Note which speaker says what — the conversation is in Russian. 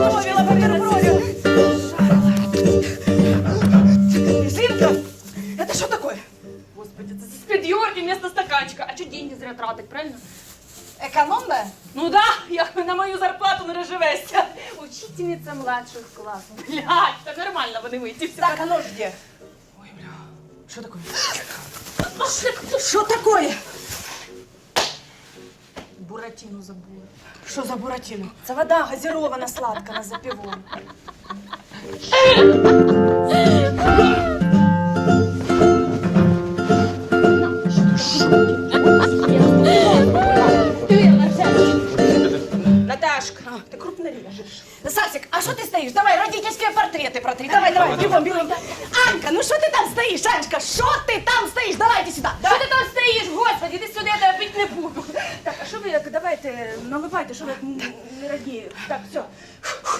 Speaker 1: Готовила бутерброды. Зинка, это что такое?
Speaker 2: Господи, это спидьорки вместо стаканчика. А что деньги зря тратить, правильно?
Speaker 1: Экономная?
Speaker 2: Ну да, як на мою зарплату не розживешся. Учительниця младших класів. Блядь, так нормально вони вийти.
Speaker 1: Так, а нож где?
Speaker 2: Ой, бля, що таке?
Speaker 1: Что такое?
Speaker 2: Буратіну забула.
Speaker 1: Что за буратино? Это вода газирована сладкая за пивом.
Speaker 2: Наташка.
Speaker 1: Ты крупно режешь. Сасик, а что ты стоишь? Давай родительские портреты протри. Давай, бегом, бегом. Анька, ну что ты там стоишь, Анечка? Что ты там стоишь? Давайте сюда.
Speaker 2: Що ти там стоїш, господи, ти сюди, я тебе пити не буду.
Speaker 1: Так, а что вы, давайте, наливайте, что вы не радіє. Так, все.